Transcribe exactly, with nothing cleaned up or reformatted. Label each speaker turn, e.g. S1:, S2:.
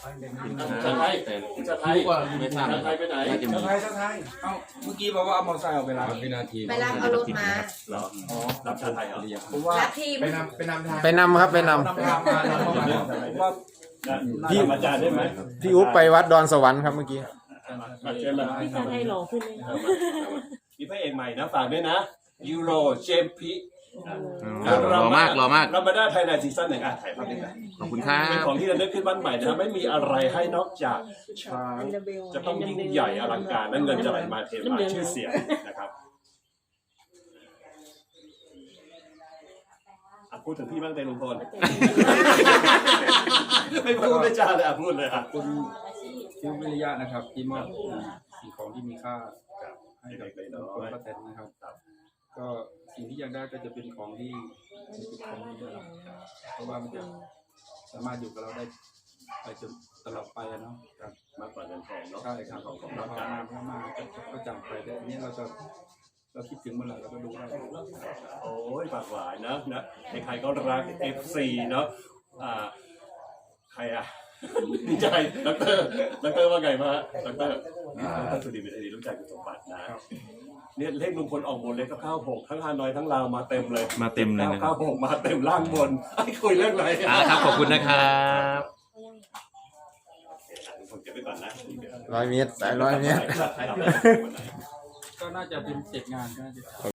S1: จะไทยจะไทยไม่ทราบไทยไปไหน
S2: จะไทยจะไทยเอ้าเมื่อกี้บอกว่าเอามอเตอร์ไซค์ออกไปรับวินาที
S3: ไปรับเอารถมา
S1: เหรออ๋อรับชาไทยเหรอ
S2: ผมว่า
S3: รับทีม
S2: ไปนำไปนำทาง
S4: ไปนำครับไปนำ
S2: นำทางมาว่า
S1: พี่อาจารย์ได้ไหม
S4: พี่อุ๊บไปวัดดอนสวรรค์ครับเมื่อกี้
S1: เชิญเลย
S5: พี่ชาไทยหล่อขึ้นเลย
S1: มีพระเอกใหม่นะฝากด้วยนะยูโรเจมพี
S6: หล่อมากหล่อมาก
S1: เรามาได้ไทยในซีซั่นหนึ่งอ่ะถ่ายภาพนี้กัน
S6: ขอบคุณครั
S1: เป็น
S6: บ
S1: ของที่ระลึกขึ้นบ้านใหม่นะไม่มีอะไรให้นอกจากช้างจะต้องยิ่งใหญ่อลังการและเงินจะไหลมาเทมาชื่อเสียงนะครับอ่ะพูดถึงพี่บ้างเตลุงพลไม่พูดไม่จาเลยอ่ะพูดเลยอ่ะ
S2: คุณคิววิริยะนะครับที่มอบสิ่งของที่มีค่าให้กับคนป้าแตนนะครับก็สิ่งที่อยากได้ก็จะเป็นของที่เป็นของดีนะครับเพราะว่ามันจะสามารถอยู่กับเราได้ไปจนตลอดไปเนาะ
S1: มากกว่าเงินทองเนาะ
S2: ใช่ครับ
S1: ของของ
S2: เรา
S1: เรา
S2: พามาพามาก็จำไปแต่อันนี้เราจะเราคิดถึงเมื่อไหร่เราก็ดูได้
S1: โอ้ยปากหวานนะนะใครๆก็รัก เอฟ ซี เนาะอ่าใครอ่ะดีใจดรดรว่าไงมาดรดรสุดีเป็นอดีตลูกชายคุณสมบัตินะเนี่ยเลขลุงพลออกบนเลขก็เข้าหกทั้งฮานอยทั้งลาวมาเต็มเลย
S6: มาเต็มเลยนะค
S1: เข้า
S6: รับ
S1: หกมาเต็มล่างบนไอ้คุยเรื่องอะไร
S6: อ่าครับขอบคุณนะครับ
S1: ผมเก็บไว้ก่อนนะ
S4: ร้อยเมตรสายร้อยเมตร
S2: ก็น่าจะเป็นเสร็จงานก็น่าจะ